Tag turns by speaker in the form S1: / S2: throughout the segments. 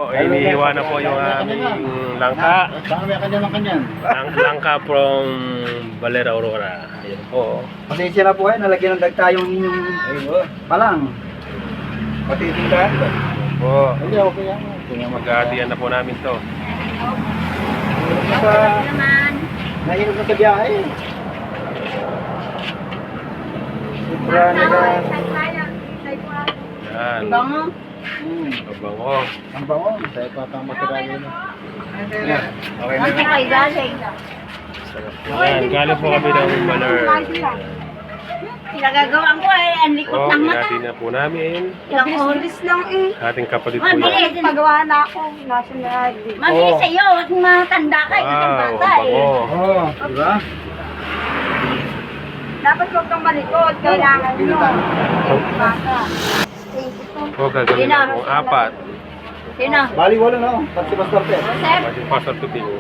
S1: Inihiwa na po yung aming langka.
S2: Baka may kanya ng kanyan.
S1: Langka from Valera Aurora. Ayan po.
S2: Pasensya na po nalagyan ng dagta yung inyong palang. Pati tindahan ba?
S1: Po.
S2: Hindi, okay yan.
S1: Mag-aatiyan na po namin to.
S2: Nainom na sa biyahe. Sobra na yan.
S1: Yan.
S3: Bango.
S1: Kabango.
S2: Ang bango. Tayo pa pang matirali na. Yan. Okay na.
S3: Ang kay galing.
S1: Yan. Galing po kami ng Baler.
S3: Pinagagawan ko ang likot
S1: Po,
S3: ng mata.
S1: inati na po namin.
S3: Ilang oras lang
S1: Ating kapatid po yan.
S3: Mabilis.
S4: Pagawa na ako. Nasa na.
S3: Mabilis sa'yo. At matanda ka. Ito ng
S1: Wow,
S3: bata eh.
S1: kabango.
S2: Oo, di ba?
S4: Dapat huwag kang malikot. Kailangan nyo. Baka.
S1: Po, gagawin na pong apat.
S3: Sino?
S2: Bali wala na. Pati Pastor Pet.
S3: Joseph?
S1: Pwede pastor to ting.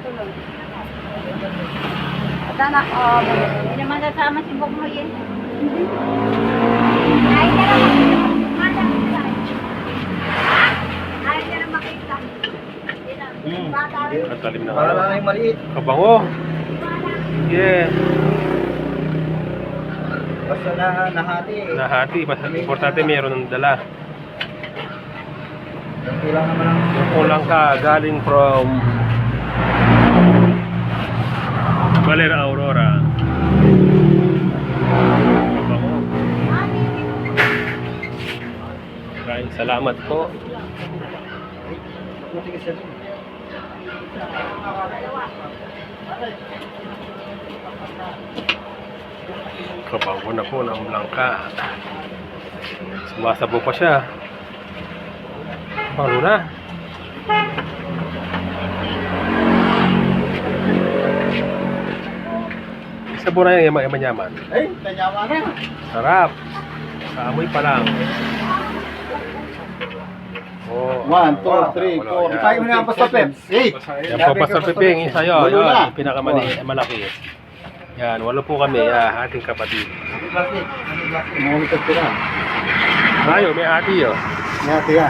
S4: At anak,
S3: Hindi naman kasama si Bog mo yun.
S4: ay ka na makita. Ay ka na makita. Bata rin.
S1: At talim na
S2: Para na yung maliit.
S1: kabango. Yeah.
S2: Basta nahati eh.
S1: Nahati. Basta importante mayroon ng dala.
S2: Kulang naman ang...
S1: Yung kulang ka galing from Valera Aurora. Kabango. Maraming salamat po.
S2: Buti kasi.
S1: Kabango na po ng langka. Sumasabo pa siya. Paano na? Isa po na yung yaman-yaman.
S2: Ay, tanyawa na.
S1: Sarap. Sa amoy pa lang. Oh,
S2: 1, 2, 3, 4. Tayo mo na ang Pastor Pet. 8.
S1: yan po, Pastor Piping, isa yun.
S2: Walo na.
S1: Yung pinakamalaki. Yan, walo po kami. Ating kapatid.
S2: Plastic. Plastic. Mga mitas ko na.
S1: Ayo, may ati yun.
S2: Ngati yan.